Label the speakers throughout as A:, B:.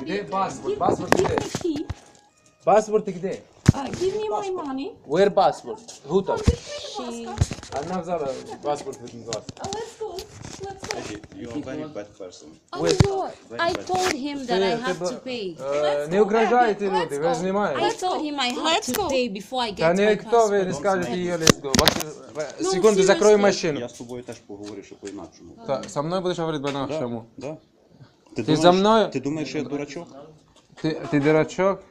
A: Где паспорт? Паспорт где? Паспорт где?
B: Give me my money.
A: Where passport? Who там?
B: She...
A: Она взяла паспорт від вас.
B: Let's go. Let's go.
C: You are a very bad person.
D: Oh no, I told him that I have to pay.
A: Не угрожайте люди, ви знімаєте.
D: I told him I have
B: Let's
D: to
B: go.
D: pay before I
A: Та
D: get my
A: ніхто ви не
D: passport.
A: скажете її let's go. Секунду, закрою машину.
C: Я з тобою теж поговорю, що по-інакшому.
A: Та, со мною будеш говорити по-нашому.
C: Да?
A: Ти за мною?
C: Ти думаєш, що я дурачок?
A: Ти дурачок?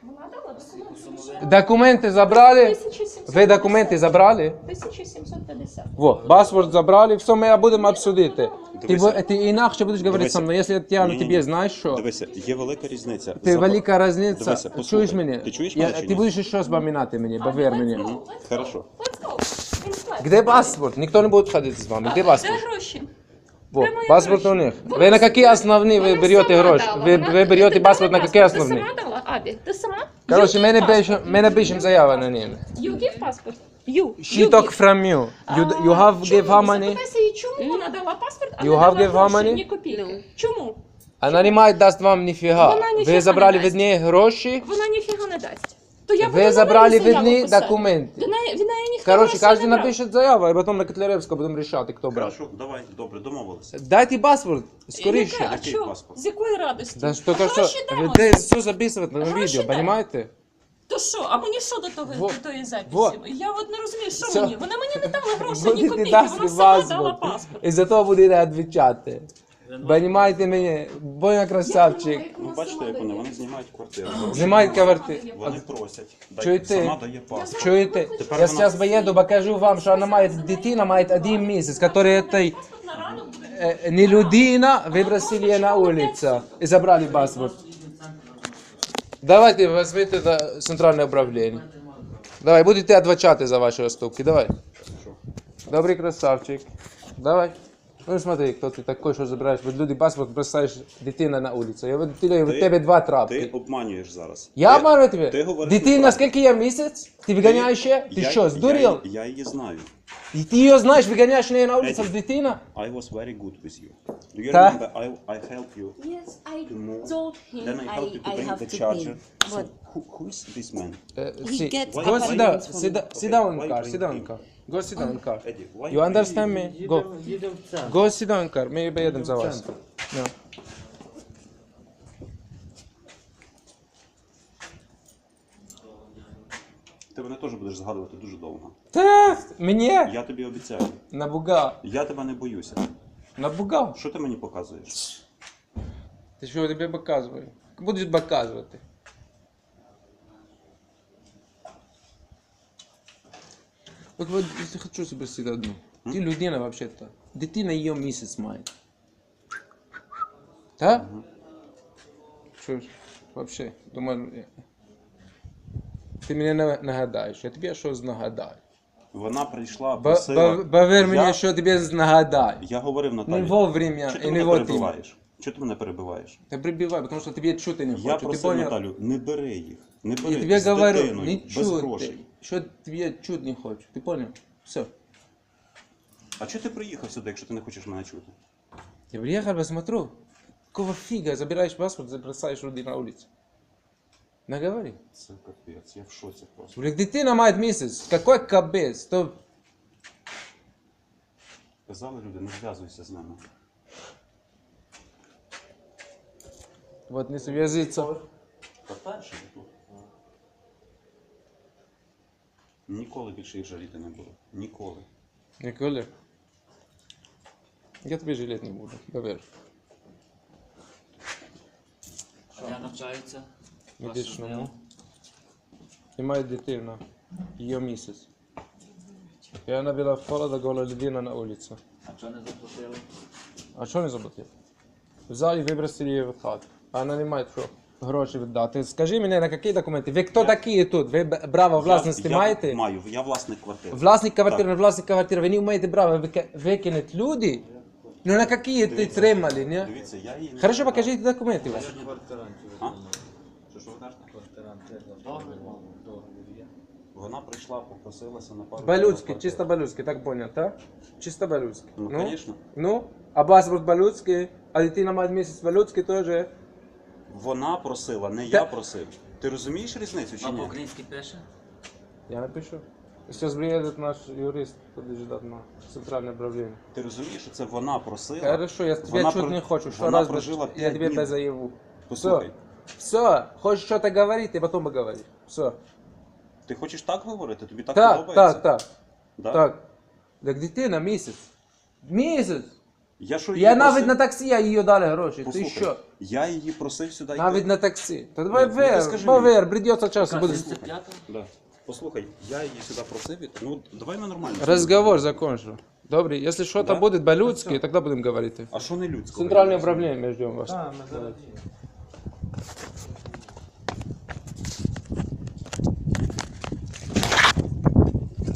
A: Документи забрали? Ви документи забрали?
B: 1750.
A: Во, паспорт забрали, все, ми будемо обсудити.
C: Дивися.
A: Ти інакше будеш говорити
C: Дивися.
A: со мною, якщо я тягну
C: Ні-ні-ні.
A: тебе, знаєш що?
C: Дивися, є велика різниця.
A: Ти велика різниця.
C: Дивися, послухай.
A: Чуєш мене?
C: Ти чуєш мене чи
A: Ти
C: ні?
A: будеш щось пам'ятати мені, повір мені.
C: Хорошо.
B: Let's go. In flat.
A: Де паспорт? Ніхто не буде ходити з вами. Де
B: Де
A: паспорт?
B: гроші?
A: Во, паспорт у них. Ви на які основні ви берете гроші? Ви берете паспорт на які
B: Ти
A: основні?
B: сама дала, Абі? Ти сама?
A: Короче,
B: You give passport.
A: мене пишемо заяву на ній.
B: You give passport. You.
A: She took from you. You have give her money?
B: Запитайся їй, чому вона дала паспорт, а
A: You
B: не
A: have
B: дала
A: give her
B: гроші,
A: money?
B: ні копійки? Чому?
A: Вона не має дасть вам ніфіга.
B: Вона ніфіга
A: Ви
B: не
A: забрали
B: дасть.
A: від неї гроші,
B: Вона ніфіга не дасть. То я буду
A: ви
B: на
A: забрали
B: неї
A: від
B: заяву
A: неї
B: писати.
A: документи.
B: Від неї ніхто
A: Короче,
B: грошей
A: кожен
B: не брав.
A: напише заяву, а потім на Котляревську будемо рішати, хто брав.
C: Хорошо, давай, добре, домовилися.
A: Дайте паспорт,
B: Яке?
A: скоріше.
B: А
C: Який
B: чо?
C: паспорт?
B: З якої радості?
A: Да що, то що,
B: Гроші
A: ви
B: дамо.
A: де все записувати на
B: Гроші
A: відео,
B: дай.
A: понимаєте?
B: То що? А мені що до того
A: Во.
B: до тої записі?
A: Во.
B: Я от не розумію, що
A: Все.
B: мені? Вона мені не дала грошей, ні
A: Будете
B: копійки,
A: дати
B: вона сама дала
A: паспорт.
B: паспорт.
A: І за то будете відвічати. Понимаєте мене? Боня красавчик.
C: Ну бачите, як вони знімають квартиру.
A: Знімають квартиру.
C: Вони просять.
A: Чуєте?
C: Сама дає паспорт.
A: Чуєте? Я зараз поїду, покажу вам, що вона має дитина, має 1 місяць, який этой не людина, вибросили її на вулицю і забрали паспорт. Давайте візьмите до центрального управління. Давай, будете адвокати за ваші уступки, давай. Добрий красавчик. Давай. Ну смотри, хто ти такий, що забираєш від людей паспорт, бросаєш дитина на вулицю. Я від тебе 2
C: Ти
A: трапки.
C: обманюєш зараз.
A: Я
C: Ти-
A: обманю
C: ти
A: тебе?
C: говориш
A: Дитина,
C: неправду.
A: скільки я місяць? Ти виганяєш ще? Ти що, здурів?
C: Я її знаю.
A: І ти її знаєш, виганяєш неї на вулицю з дитина?
C: I was very good with you. Do you
A: Та?
C: remember I helped you
D: Yes, I
C: to move?
D: told him
C: Then I helped you to
D: I
C: bring
D: have
C: the
D: to
C: charger.
D: pay.
C: So
D: But
C: who is this man?
D: he gets
C: Why-
A: Go
C: why-
A: sit down,
D: appointments from
A: sit down in
C: why
A: car,
C: you
A: sit down in
C: bring
A: car. Go sit down in car.
C: Eddie, why
A: You understand me? Go.
E: Їдемо в центр.
A: Go sit down in car, ми поїдемо за вас. No.
C: Ти мене теж будеш згадувати дуже довго.
A: Та, мені?
C: Я тобі обіцяю.
A: Набугав.
C: Я тебе не боюся.
A: Набугав.
C: Що ти мені показуєш?
A: Ти що, я тобі показую? Будеш показувати. От я хочу спросити одну. Ти людина вообще-то. Дитина її місяць має. Так? Що ж, вообще, думаю, ти мене нагадаєш, я тобі щось нагадаю.
C: Вона прийшла, просила.
A: Повір мені, що я тобі нагадаю.
C: Я говорив Наталі.
A: Не вовремя
C: Чого ти
A: і не
C: мене
A: вовремя.
C: перебиваєш? Чого ти мене перебиваєш?
A: Та прибивай, тому що тобі чути не
C: Я
A: хочу. Ти
C: просив
A: понял?
C: Наталю, не бери їх. Не бери
A: Я тобі
C: з
A: говорю,
C: дитиною,
A: не
C: без
A: чути.
C: грошей.
A: Що тобі чути не хочу. Ти понял? Все.
C: А чого ти приїхав сюди, якщо ти не хочеш мене чути?
A: Я приехал, посмотрю. Какого фига забираешь паспорт, забросаешь людей на улице? Наговори.
C: Це капець, я в шоці просто.
A: Блин, дитина мает месяц. Какой капец? То...
C: Казали люди, не зв'язуйся з ними.
A: Вот не связиться.
C: Та перше тут. Ніколи більше їх жаліти не буду. Ніколи.
A: Николя. Я тебе жалеть не буду, поверь.
E: Я навчаються.
A: Медичному. І має дитина. Її місяць. І вона була в холода, гола людина на вулиці.
E: А чого не заплатили?
A: А що не заплатив? Взяли і вибросили її в хату. А вона не має що гроші віддати. Скажи мені, на які документи? Ви хто такі тут? Ви право власності маєте?
C: Я маю, я власник квартири.
A: Власник квартири,
C: Так.
A: не власник квартири. Ви не маєте права викинути люди? Ну на які ти тримали, не?
C: Дивіться, я її не...
A: Хорошо, покажіть документи ваші.
C: А? Що ви кажете? Вона прийшла, попросилася на пару...
A: Балюцький, чисто балюцький, так понял, так? Чисто балюцький.
C: Ну, конечно.
A: Ну, а паспорт балюцький, а дитина має місяць балюцький теж.
C: Вона просила, не я просив. Ти розумієш різницю чи
E: А
C: ні?
E: по-українськи пише?
A: Я напишу. Сейчас приедет наш юрист, будет ждать на центральное управление.
C: Ти розумієш, що це вона просила?
A: Хорошо, я тебя
C: Вона
A: чуть
C: про-
A: не хочу. Что
C: вона
A: раз
C: прожила
A: я
C: 5
A: тебе
C: днів.
A: это заяву.
C: Послухай,
A: Все, хочешь что-то говорить, ты потом поговори. Все.
C: ти хочеш так говорити? Тобі так
A: Так,
C: подобається?
A: так, так.
C: Да?
A: Так. Так дитина місяць. Місяць.
C: Я що
A: Я
C: її
A: навіть
C: просив?
A: на таксі, я їй дали гроші.
C: Послухай,
A: Ти що?
C: я її просив сюди
A: Навіть
C: йти.
A: на таксі. Та давай
C: Ні, ну ти
A: вер,
C: скажи
A: повер, придеться часу.
E: Яка
A: Буде...
E: 35-та?
C: Да. Послухай, я її сюди просив, ну давай ми нормально.
A: Разговор закончу. Добре, якщо щось
C: Да?
A: буде по-людськи, тоді будемо говорити.
C: А що не людського?
A: Центральне управління ми ждемо вас.
F: Так, ми зараз.